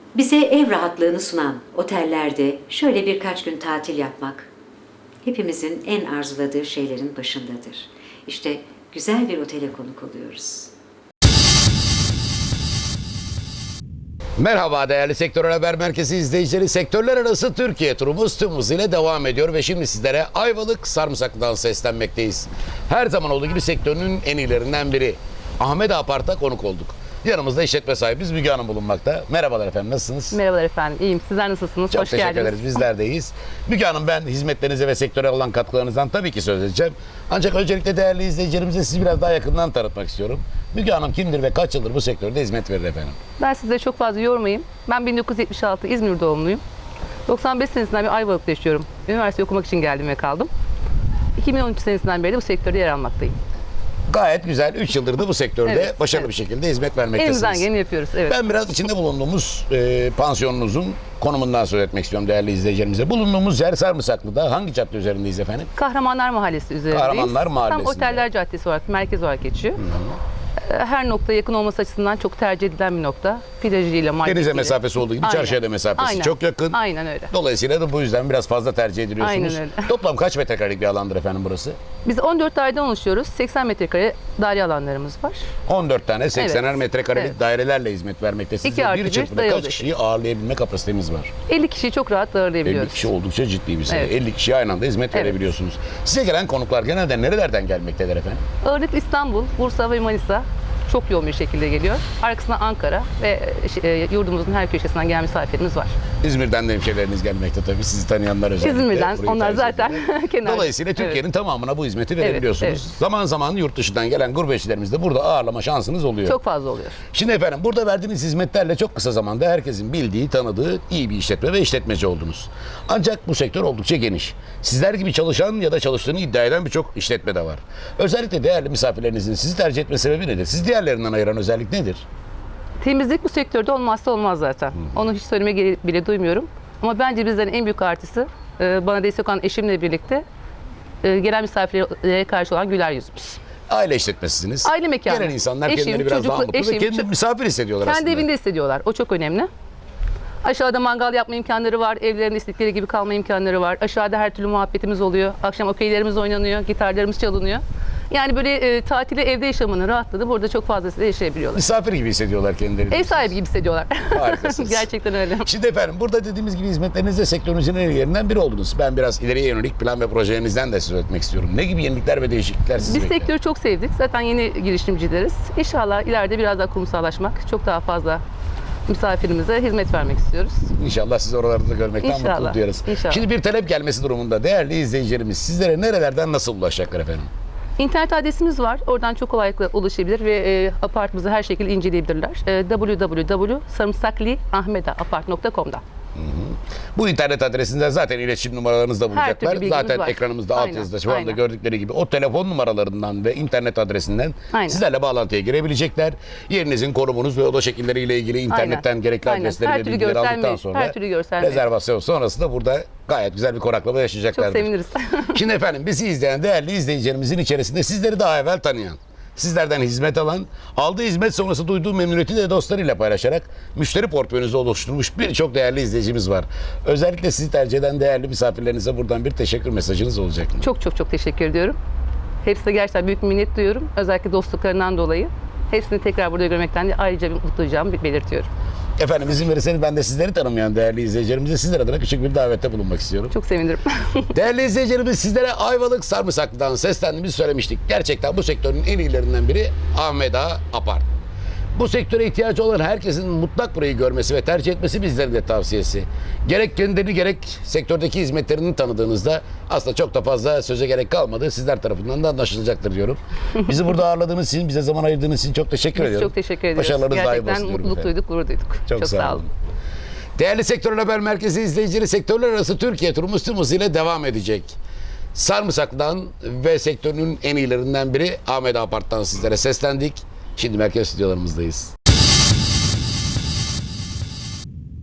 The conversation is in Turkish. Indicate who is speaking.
Speaker 1: Bize ev rahatlığını sunan otellerde şöyle birkaç gün tatil yapmak hepimizin en arzuladığı şeylerin başındadır. İşte güzel bir otele konuk oluyoruz.
Speaker 2: Merhaba değerli Sektör Haber Merkezi izleyicileri. Sektörler arası Türkiye turumuz tüm hızıyla devam ediyor ve şimdi sizlere Ayvalık Sarımsaklı'dan seslenmekteyiz. Her zaman olduğu gibi sektörünün en iyilerinden biri Ahmet Apart'a konuk olduk. Yanımızda işletme sahibimiz Müge Hanım bulunmakta. Merhabalar efendim, nasılsınız?
Speaker 3: Merhabalar efendim, iyiyim. Sizler nasılsınız?
Speaker 2: Çok
Speaker 3: Hoş
Speaker 2: teşekkür
Speaker 3: geldiniz.
Speaker 2: ederiz, bizler de iyiyiz. Müge Hanım, ben hizmetlerinize ve sektöre olan katkılarınızdan tabii ki söz edeceğim. Ancak öncelikle değerli izleyicilerimize sizi biraz daha yakından tanıtmak istiyorum. Müge Hanım kimdir ve kaç yıldır bu sektörde hizmet verir efendim?
Speaker 3: Ben size çok fazla yormayayım. Ben 1976 İzmir doğumluyum. 95 senesinden beri Ayvalık'ta yaşıyorum. Üniversite okumak için geldim ve kaldım. 2013 senesinden beri de bu sektörde yer almaktayım.
Speaker 2: Gayet güzel. 3 yıldır da bu sektörde
Speaker 3: Evet,
Speaker 2: başarılı
Speaker 3: evet.
Speaker 2: bir şekilde hizmet vermektesiniz.
Speaker 3: Elimizden geleni yapıyoruz. Evet.
Speaker 2: Ben biraz içinde bulunduğumuz pansiyonunuzun konumundan söz etmek istiyorum değerli izleyicilerimize. Bulunduğumuz yer Sarımsaklı'da. Hangi cadde üzerindeyiz efendim?
Speaker 3: Kahramanlar Mahallesi üzerindeyiz.
Speaker 2: Kahramanlar Mahallesi'nde.
Speaker 3: Tam Oteller Caddesi olarak, merkez olarak geçiyor. Her noktaya yakın olması açısından çok tercih edilen bir nokta. Plajıyla, marketiyle.
Speaker 2: Denize mesafesi olduğu gibi
Speaker 3: Aynen.
Speaker 2: çarşıya da mesafesi
Speaker 3: Aynen.
Speaker 2: çok yakın.
Speaker 3: Aynen öyle.
Speaker 2: Dolayısıyla da bu yüzden biraz fazla tercih ediliyorsunuz.
Speaker 3: Aynen öyle.
Speaker 2: Toplam kaç metrekarelik bir alandır efendim burası?
Speaker 3: Biz 14 daireden oluşuyoruz. 80 metrekare daire alanlarımız var.
Speaker 2: 14 tane 80'er
Speaker 3: Evet.
Speaker 2: metrekarelik
Speaker 3: Evet.
Speaker 2: dairelerle hizmet vermektesiniz.
Speaker 3: 2 artı
Speaker 2: Bir
Speaker 3: bir
Speaker 2: çırpıda
Speaker 3: dayalı
Speaker 2: kaç kişiyi ağırlayabilme kapasitemiz var?
Speaker 3: 50 kişiyi çok rahat
Speaker 2: 50
Speaker 3: ağırlayabiliyoruz.
Speaker 2: kişi oldukça ciddi bir sayı.
Speaker 3: Evet.
Speaker 2: 50 kişiye aynı anda hizmet
Speaker 3: Evet.
Speaker 2: verebiliyorsunuz. Size gelen konuklar genelde nerelerden gelmektedir efendim?
Speaker 3: Ağırlıklı İstanbul, Bursa ve Manisa çok yoğun bir şekilde geliyor. Arkasından Ankara ve yurdumuzun her köşesinden gelen misafirimiz var.
Speaker 2: İzmir'den de hemşehrileriniz gelmekte tabii. Sizi tanıyanlar özellikle.
Speaker 3: İzmir'den,
Speaker 2: burayı
Speaker 3: onlar
Speaker 2: tercih
Speaker 3: zaten
Speaker 2: ederler.
Speaker 3: kenar.
Speaker 2: Dolayısıyla Türkiye'nin
Speaker 3: Evet.
Speaker 2: tamamına bu hizmeti verebiliyorsunuz.
Speaker 3: evet.
Speaker 2: Zaman zaman yurt dışından gelen gurbetçilerimiz de burada ağırlama şansınız oluyor.
Speaker 3: Çok fazla oluyor.
Speaker 2: Şimdi efendim, burada verdiğiniz hizmetlerle çok kısa zamanda herkesin bildiği, tanıdığı iyi bir işletme ve işletmeci oldunuz. Ancak bu sektör oldukça geniş. Sizler gibi çalışan ya da çalıştığını iddia eden birçok işletme de var. Özellikle değerli misafirlerinizin sizi tercih etme sebebi nedir? Sizi diğerlerinden ayıran özellik nedir?
Speaker 3: Temizlik bu sektörde olmazsa olmaz zaten. Onu hiç söylemeye gerek bile duymuyorum. Ama bence bizden en büyük artısı bana destek olan eşimle birlikte gelen misafirlere karşı olan güler yüzümüz.
Speaker 2: Aile işletmesisiniz.
Speaker 3: Aile mekanı.
Speaker 2: Gelen insanlar
Speaker 3: Eşim,
Speaker 2: kendileri biraz daha
Speaker 3: çocuklu-
Speaker 2: mutlu ve
Speaker 3: eşim,
Speaker 2: kendini misafir hissediyorlar
Speaker 3: Kendi
Speaker 2: aslında.
Speaker 3: evinde hissediyorlar. O çok önemli. Aşağıda mangal yapma imkanları var. Evlerinde istedikleri gibi kalma imkanları var. Aşağıda her türlü muhabbetimiz oluyor. Akşam okeylerimiz oynanıyor, gitarlarımız çalınıyor. Yani böyle tatili, evde yaşamını rahatladı. Burada çok fazlasıyla yaşayabiliyorlar.
Speaker 2: Misafir gibi hissediyorlar kendilerini.
Speaker 3: Ev sahibi gibi hissediyorlar.
Speaker 2: Harikasınız.
Speaker 3: Gerçekten öyle.
Speaker 2: Şimdi efendim, burada dediğimiz gibi hizmetlerinizde sektörünüzün en iyilerinden biri oldunuz. Ben biraz ileriye yönelik plan ve projelerinizden de söz etmek istiyorum. Ne gibi yenilikler ve değişiklikler sizi
Speaker 3: Biz
Speaker 2: bekler?
Speaker 3: sektörü çok sevdik. Zaten yeni girişimcileriz. İnşallah ileride biraz daha kurumsallaşmak, çok daha fazla misafirimize hizmet vermek istiyoruz.
Speaker 2: İnşallah sizi oralarda da görmekten
Speaker 3: İnşallah,
Speaker 2: mutluluk duyarız.
Speaker 3: inşallah.
Speaker 2: Şimdi bir talep gelmesi durumunda değerli izleyicilerimiz sizlere nerelerden nasıl ulaşacaklar efendim?
Speaker 3: İnternet adresimiz var. Oradan çok kolaylıkla ulaşabilir ve apartımızı her şekilde inceleyebilirler. www.sarımsakliahmedapart.com'da.
Speaker 2: Bu internet adresinden zaten iletişim numaralarınız da bulacaklar.
Speaker 3: türlü bilgimiz
Speaker 2: Zaten
Speaker 3: var.
Speaker 2: ekranımızda
Speaker 3: Aynen,
Speaker 2: altyazıda şu anda
Speaker 3: aynen.
Speaker 2: gördükleri gibi o telefon numaralarından ve internet adresinden
Speaker 3: Aynen.
Speaker 2: sizlerle bağlantıya girebilecekler. Yerinizin, konumunuz ve oda şekilleriyle ilgili internetten gerekli
Speaker 3: Aynen.
Speaker 2: adresleri
Speaker 3: Her
Speaker 2: ve
Speaker 3: türlü
Speaker 2: bilgileri
Speaker 3: görsel
Speaker 2: aldıktan
Speaker 3: mail,
Speaker 2: sonra
Speaker 3: her türlü görsel mail.
Speaker 2: rezervasyon sonrası da burada gayet güzel bir konaklama yaşayacaklardır.
Speaker 3: Çok seviniriz.
Speaker 2: Şimdi efendim, bizi izleyen değerli izleyicilerimizin içerisinde sizleri daha evvel tanıyan, sizlerden hizmet alan, aldığı hizmet sonrası duyduğu memnuniyeti de dostlarıyla paylaşarak müşteri portföyünüzü oluşturmuş birçok değerli izleyicimiz var. Özellikle sizi tercih eden değerli misafirlerinize buradan bir teşekkür mesajınız olacak mı?
Speaker 3: Çok çok çok teşekkür ediyorum. Hepsine gerçekten büyük bir minnet duyuyorum. Özellikle dostluklarından dolayı. Hepsini tekrar burada görmekten de ayrıca bir mutlu duyacağımı belirtiyorum.
Speaker 2: Efendim, izin verirseniz ben de sizleri tanımayan değerli izleyicilerimize sizler adına küçük bir davette bulunmak istiyorum.
Speaker 3: Çok sevinirim.
Speaker 2: Değerli izleyicilerimiz, sizlere Ayvalık Sarımsaklı'dan seslendiğimizi söylemiştik. Gerçekten bu sektörün en iyilerinden biri Ahmet Ağa Apart. Bu sektöre ihtiyacı olan herkesin mutlak burayı görmesi ve tercih etmesi bizlerin de tavsiyesi. Gerek kendilerini gerek sektördeki hizmetlerini tanıdığınızda aslında çok da fazla söze gerek kalmadı. Sizler tarafından da anlaşılacaktır diyorum. Bizi burada ağırladığınız için, bize zaman ayırdığınız için çok teşekkür
Speaker 3: Biz
Speaker 2: ediyorum.
Speaker 3: çok teşekkür ediyoruz.
Speaker 2: Başarılarınız daim
Speaker 3: Gerçekten
Speaker 2: olsun diyorum
Speaker 3: mutluluk
Speaker 2: efendim.
Speaker 3: duyduk, gurur duyduk.
Speaker 2: Çok sağ olun. Değerli Sektör Haber Merkezi izleyicileri, sektörler arası Türkiye turumuz tüm hızıyla devam edecek. Sarımsaklı'dan ve sektörünün en iyilerinden biri Ahmet Apart'tan sizlere seslendik. Şimdi merkez stüdyolarımızdayız.